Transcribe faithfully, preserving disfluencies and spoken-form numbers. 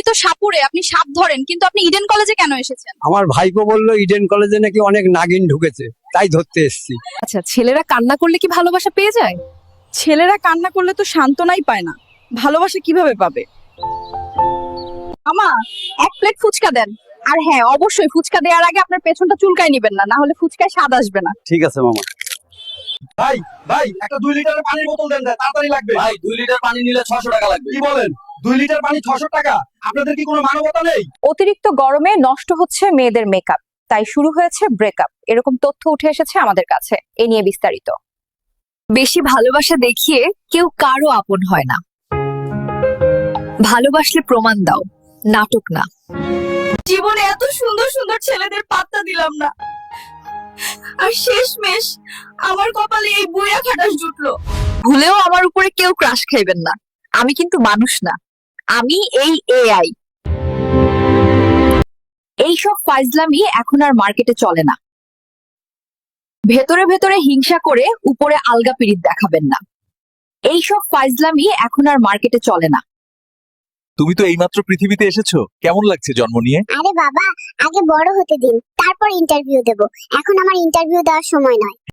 তো সাপুরে, আপনি সাপ ধরেন, কিন্তু আপনি ইডেন কলেজে কেন এসেছেন? আমার ভাইপো বললো ইডেন কলেজে নাকি অনেক নাগিন ঢুকেছে, তাই ধরতে এসেছি। আচ্ছা, ছেলেরা কান্না করলে কি ভালোবাসা পেয়ে যায়? ছেলেরা কান্না করলে তো সান্ত্বনাই পায় না, ভালোবাসা কিভাবে পাবে? আমা, এক প্লেট ফুচকা দেন। আর হ্যাঁ, অবশ্যই ফুচকা দেওয়ার আগে আপনার পেছনটা চুলকায় নিবেন না, না হলে ফুচকায় স্বাদ আসবে না। ঠিক আছে মামা। ভাই ভাই একটা দুই লিটারের পানির বোতল দেন, তাড়াতাড়ি লাগবে। ভাই দুই লিটার পানি নিলে ছশো টাকা লাগবে। কি বলেন? দুই লিটার পানি ছশো টাকা? আপনাদের কি কোনো মানবতা নেই? অতিরিক্ত গরমে নষ্ট হচ্ছে মেয়েদের মেকআপ, তাই শুরু হয়েছে ব্রেকআপ, এরকম তথ্য উঠে এসেছে আমাদের কাছে। এ নিয়ে বিস্তারিত। বেশি ভালোবাসা দেখিয়ে কেউ কারো আপন হয় না। ভালোবাসলে প্রমাণ দাও, নাটক না। জীবনে এত সুন্দর সুন্দর ছেলেদের পাত্তা দিলাম না, আর শেষমেশ আমার কপালে এই বুইড়া খাটাস জুটলো। ভুলেও আমার উপরে কেউ ক্রাশ খাইবেন না, আমি কিন্তু মানুষ না, আমি এই এআই। এইসব ফাইজলামি এখন আর মার্কেটে চলে না। ভেতরে ভেতরে হিংসা করে উপরে আলগা পিরিত দেখাবেন না। এইসব ফাইজলামি এখন আর মার্কেটে চলে না। তুমি তো এইমাত্র পৃথিবীতে এসেছো, কেমন লাগছে জন্ম নিয়ে? আরে বাবা, আগে বড় হতে দিন, তারপর ইন্টারভিউ দেব। এখন আমার ইন্টারভিউ দেওয়ার সময় নয়।